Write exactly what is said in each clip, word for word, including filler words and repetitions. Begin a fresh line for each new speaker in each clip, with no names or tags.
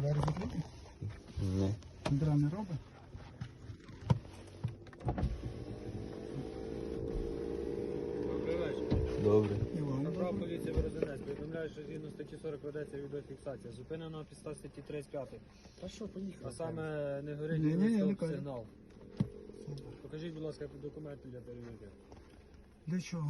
Двері закриті?
Ні.
Дра не робить?
Добрий вечір.
Добре.
Іван,
Направ
добре.
поліція Березанець. Повідомляю, що згідно статті сорок ведеться відеофіксація. Зупинено на підставі статті тридцять п'ять.
Та що, поїхали?
А саме не горить
Ні, ні, я не
стоп
кажу.
сигнал. Покажіть, будь ласка, документи для перевірки.
Для чого?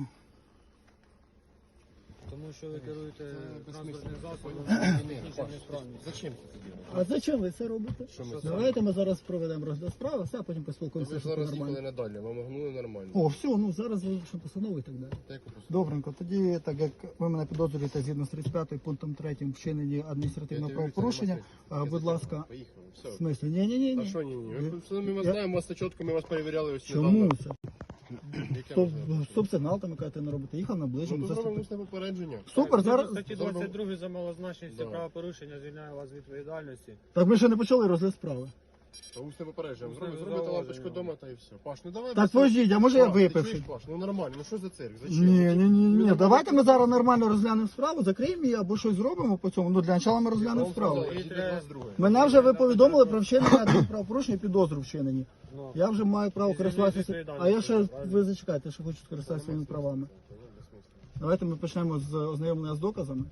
Тому що ви керуєте транспортним засобом
Ні,
з технічною несправністю.
Зачем це робити?
А зачем ви це робите?
Що ми
Давайте ми зараз проведемо розгляд справи, все, а потім
Ви
поспілкуємося,
ж
що
зараз
нормально.
їхали надалі, вам огнули нормально.
О, все, ну зараз вилучимо постанову і так далі.
Та яку посуду?
Добренько, тоді, так як ви мене підозрюєте згідно з тридцять п'ятим пунктом третім вчиненні адміністративного
Я тобі говорю,
правопорушення,
це
а,
нема
будь
сенсу.
ласка,
Поїхали,
в
все.
смислі, ні-ні-ні.
А що ні-ні?
Ви-
Ви все, ми вас
Я-
знаємо, вас це чітко, ми вас перевіряли ось
Чому
недавно.
це?
Яке
Стоп,
можливо?
стоп-сигнал там, яка ти не робите, їхав
Ну,
наближено,
то зробимо
заступив.
усне попередження.
Супер,
Згідно
зараз...
статті двадцять два за малозначність
Да.
правопорушення звільняє вас від відповідальності.
Так ми ще не почали розгляд справи.
А усне попередження.
Усне
Зробите
зауваження.
зробите лампочку вдома та і все. Паш, ну давай.
Так
без-
подождіть, а може я
Паш, ти
випивши?
чуєш, Паш, ну нормально, ну що за цирк? Зачем?
Ні, ні, ні, ні.
Ну,
Давайте ми зараз нормально розглянемо справу, закриємо її або щось зробимо по цьому. Ну для початку ми розглянемо справу. Мене вже ви повідомили про вчинення правопорушення і підозру вчинені.
Ну,
Я вже маю право
Звільнити
користуватися.
відповідальність,
А я ще,
правильно?
ви зачекайте, що хочу скористатися своїми правами. Давайте ми почнемо з ознайомлення з доказами.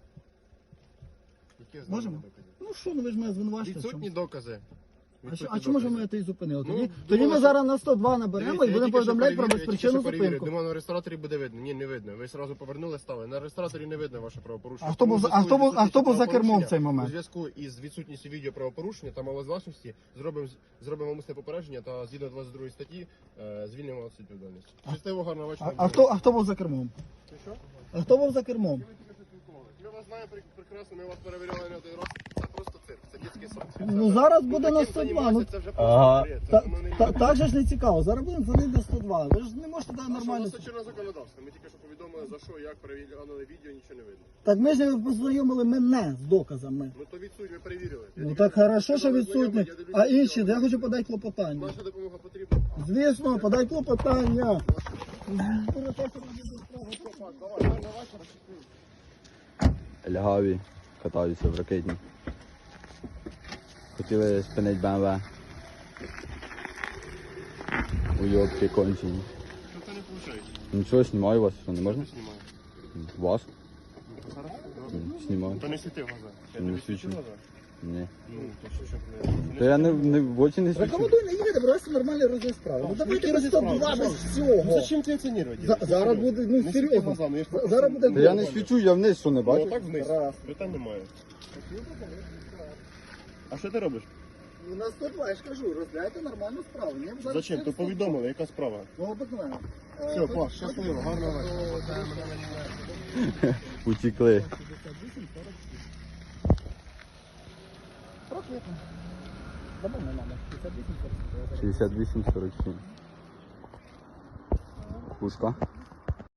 Можемо? Ну що, ну ви ж мене звинувачите. в
Відсутні
чомусь.
докази.
А, що- а
Відсутні
чому ж
докази.
ми це і зупинили?
Ну,
Тоді,
думала,
тоді ми
що-
зараз на сто два наберемо
Дивіться,
і
я
будемо
тільки що
повідомляти про
перевірив, я тільки
безпричинну
що перевірив.
зупинку.
Думаю, на реєстраторі буде видно. Ні, не видно. Ви одразу повернули, стали. На реєстраторі не видно ваше правопорушення.
А хто був за- а хто був- а хто був за кермом в цей момент?
У зв'язку із відсутністю відео правопорушення та малозвласності зробимо зробимо умисне попередження та згідно двадцять другої статті е, звільнимо вас від відповідальності. Щасливо, гарного
А,
вечора.
а, хто, а хто був за кермом?
Ти що?
А хто був за кермом?
Ми вас знаємо прек- прекрасно, ми вас перевіряли не один раз. Це просто цирк, це дитячий сад.
Ну зараз буде на
таким
сто два. Ну,
займатися, це вже
Ага.
просто бред, це
та,
воно не
та, так же ж не цікаво. Зараз будемо дзвонити на сто два. Ви ж не можете дати
нормально.
нормально.
Це чинне законодавство. Ми тільки що повідомили за що, як перевіряли відео, нічого не видно.
Так ми ж не познайомили мене з доказами.
Ну то відсутні, ми перевірили. Я
Ну
тільки
так
що
хорошо, що
сказав,
відсутні.
знайомий, я дивлюся
А
відео.
інші, я хочу подати клопотання.
Наша допомога потрібна.
Звісно, подай клопотання.
Лягаві катаються в ракетні. Хотіли спинити БМВ. Уйобки кончені.
Що це не виходить?
Нічого, знімаю вас, що не можна?
Знімаю.
Вас?
Зараз?
М, Знімаю.
То не світи в глаза. Я
Не
тобі свічу
свічу.
в глаза?
Ні.
Ну, то що, щоб не...
Та я не, не в очі не свічу.
Рекомендую не їхати, просто нормальний розгляд справи. Ну давайте
Який
без сто
розгляд
два,
справи?
без
Ну
всього.
зачем ти оцінювати?
За- зараз буде, ну,
Не
серйозно.
світи глазами, я ж просто-
Зараз буде
Та я не свічу, я вниз, що не
Ну,
бачу.
отак вниз.
Раз.
Питань немає. А що ти робиш?
Ну, на сто два, я ж кажу, розглядайте нормальну справу. Мені зараз
Зачем?
всі
То
сто два.
повідомили, яка справа?
Ну, обикновено.
Все, Паш, щасливо, гарного вечора.
Утікли.
Рокетно. Дамо на номер. п'ятдесят вісім сорок.
шістдесят вісім сорок сім. Пушка.